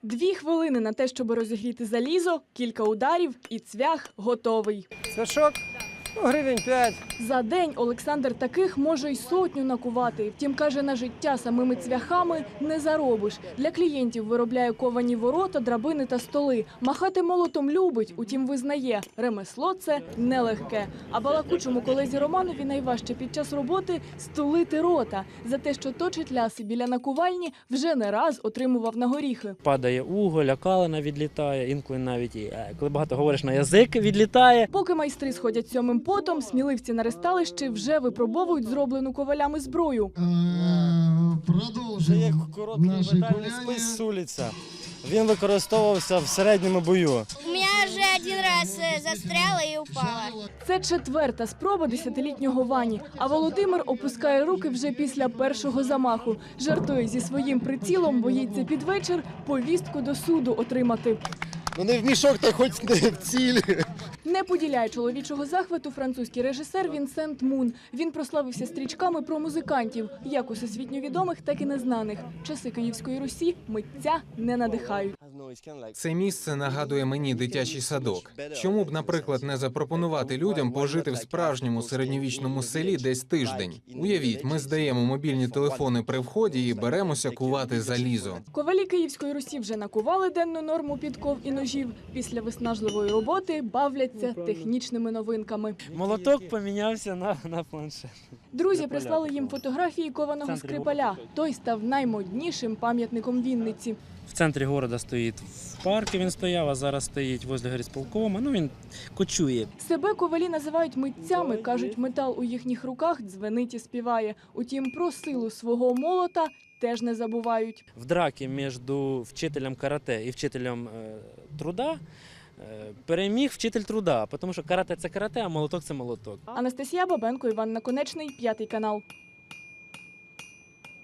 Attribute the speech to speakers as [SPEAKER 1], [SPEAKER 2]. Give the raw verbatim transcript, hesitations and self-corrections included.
[SPEAKER 1] Дві хвилини на те, щоб розігріти залізо, кілька ударів і цвях готовий.
[SPEAKER 2] Цвяшок? Ну, гривень п'ять.
[SPEAKER 1] За день Олександр таких може й сотню накувати. Втім, каже, на життя самими цвяхами не заробиш. Для клієнтів виробляє ковані ворота, драбини та столи. Махати молотом любить, утім визнає, ремесло це нелегке. А балакучому колезі Романові найважче під час роботи стулити рота. За те, що точить ляси біля накувальні, вже не раз отримував на горіхи.
[SPEAKER 3] Падає уголь, а калина відлітає, інколи навіть, і, коли багато говориш, на язик відлітає.
[SPEAKER 1] Поки майстри сходять сьомим потом, сміливці на ресталищі вже випробовують зроблену ковалями зброю.
[SPEAKER 2] Це як короткий метальний спис сулиця. Він використовувався в середньому бою.
[SPEAKER 4] У меня уже один раз э, застряла и упала.
[SPEAKER 1] Це четверта спроба десятилітнього Вані. А Володимир опускає руки вже після першого замаху. Жартує зі своїм прицілом, боїться під вечір повістку до суду отримати.
[SPEAKER 5] Ну не в мішок, та хоч не в цілі.
[SPEAKER 1] Не поділяє чоловічого захвату французький режисер Вінсент Мун. Він прославився стрічками про музикантів, як усесвітньо відомих, так і незнаних. Часи Київської Русі митця не надихають.
[SPEAKER 6] Це місце нагадує мені дитячий садок. Чому б, наприклад, не запропонувати людям пожити в справжньому середньовічному селі десь тиждень? Уявіть, ми здаємо мобільні телефони при вході і беремося кувати залізо.
[SPEAKER 1] Ковалі Київської Русі вже накували денну норму підков і ножів. Після виснажливої роботи бавляться технічними новинками.
[SPEAKER 3] Молоток помінявся на, на планшет.
[SPEAKER 1] Друзі прислали їм фотографії кованого Скрипаля. Той став наймоднішим пам'ятником Вінниці.
[SPEAKER 3] В центрі міста стоїть, в парку він стояв, а зараз стоїть возле горисполкома. Ну, він кочує.
[SPEAKER 1] Себе ковалі називають митцями, кажуть, метал у їхніх руках дзвенить і співає. Утім, про силу свого молота теж не забувають.
[SPEAKER 3] В драці між вчителем карате і вчителем е, труда е, переміг вчитель труда, тому що карате – це карате, а молоток – це молоток.
[SPEAKER 1] Анастасія Бабенко, Іван Наконечний, П'ятий канал.